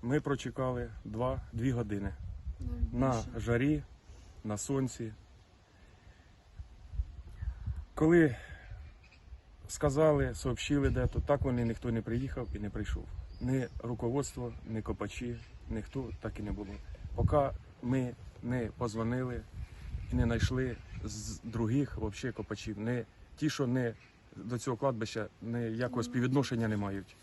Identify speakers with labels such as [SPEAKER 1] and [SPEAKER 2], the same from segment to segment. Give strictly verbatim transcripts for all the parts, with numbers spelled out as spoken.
[SPEAKER 1] ми прочекали два, дві години на жарі, на сонці. Коли сказали, сообщили де-то, так вони ніхто не приїхав і не прийшов. Ні руководство, ні копачі, ніхто так і не було. Поки ми не позвонили і не знайшли з других взагалі копачів, не ті, що не до цього кладбища ніякого співвідношення не мають.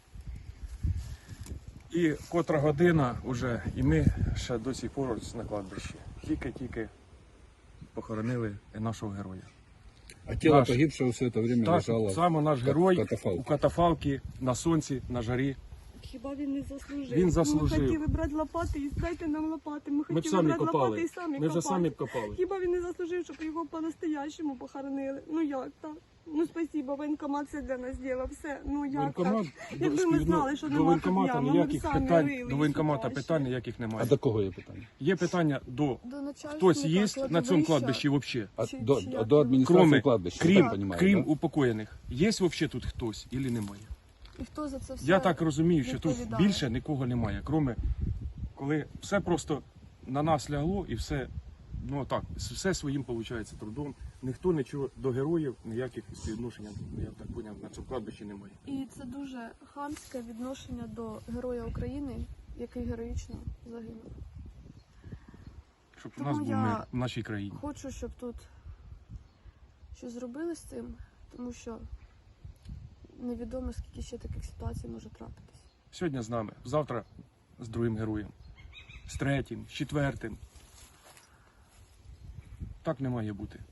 [SPEAKER 1] І котра година вже, і ми ще до сих пор на кладбищі. Тільки-тільки похоронили нашого героя.
[SPEAKER 2] А тело
[SPEAKER 1] Наш-
[SPEAKER 2] погибшего все это время
[SPEAKER 1] Так,
[SPEAKER 2] лежало
[SPEAKER 1] саме наш
[SPEAKER 2] в
[SPEAKER 1] герой
[SPEAKER 2] катафалке.
[SPEAKER 1] у катафалці, на сонці, на жарі.
[SPEAKER 3] Хіба він не заслужив?
[SPEAKER 1] Він заслужив.
[SPEAKER 3] Ми хотіли брати лопати і дайте нам лопати. Ми
[SPEAKER 1] Ми б
[SPEAKER 3] хотіли
[SPEAKER 1] самі
[SPEAKER 3] брати лопати
[SPEAKER 1] копали.
[SPEAKER 3] і самі
[SPEAKER 1] Ми вже
[SPEAKER 3] копати.
[SPEAKER 1] самі б копали.
[SPEAKER 3] Хіба він не заслужив, щоб його по-настоящему похоронили? Ну як так? Ну спасибо, воєнкомат все для нас зробив, все. Ну як
[SPEAKER 1] Воєнкомат,
[SPEAKER 3] так? Якби ми знали, що
[SPEAKER 1] до
[SPEAKER 3] нема
[SPEAKER 1] воєнкомата
[SPEAKER 3] тут ями, ми б
[SPEAKER 1] ніяких
[SPEAKER 3] самі
[SPEAKER 1] питань,
[SPEAKER 3] рили
[SPEAKER 1] до
[SPEAKER 3] і
[SPEAKER 1] воєнкомата
[SPEAKER 3] шукали
[SPEAKER 1] питань
[SPEAKER 3] ще.
[SPEAKER 1] ніяких
[SPEAKER 2] А
[SPEAKER 1] немає.
[SPEAKER 2] до кого є питання?
[SPEAKER 1] Є питання до
[SPEAKER 3] До начальства,
[SPEAKER 1] хтось є
[SPEAKER 3] так,
[SPEAKER 1] на цьому
[SPEAKER 3] кладовища.
[SPEAKER 1] кладбищі взагалі?
[SPEAKER 2] А
[SPEAKER 3] Чи-
[SPEAKER 2] до,
[SPEAKER 3] чи
[SPEAKER 2] до,
[SPEAKER 3] як
[SPEAKER 2] до
[SPEAKER 3] його?
[SPEAKER 2] адміністрації
[SPEAKER 1] Кроме,
[SPEAKER 2] кладбища,
[SPEAKER 1] крім,
[SPEAKER 2] я так понимаю,
[SPEAKER 1] крім
[SPEAKER 2] да?
[SPEAKER 1] упокоєних, є взагалі тут хтось чи немає?
[SPEAKER 3] І хто за це все
[SPEAKER 1] Я так розумію, що тут
[SPEAKER 3] відповідає?
[SPEAKER 1] більше нікого немає, кроме коли все просто на нас лягло і все, ну так, все своїм виходить трудом. Ніхто нічого до героїв, ніяких співвідношень, я так зрозумів, на цьому кладбищі немає.
[SPEAKER 3] І це дуже хамське відношення до Героя України, який героїчно загинув.
[SPEAKER 1] Щоб у
[SPEAKER 3] Тому
[SPEAKER 1] нас був
[SPEAKER 3] я-
[SPEAKER 1] мир в нашій країні.
[SPEAKER 3] Хочу, щоб тут щось зробили з цим, тому що невідомо, скільки ще таких ситуацій може трапитись.
[SPEAKER 1] Сьогодні з нами, завтра з другим героєм, з третім, з четвертим. Так не має бути.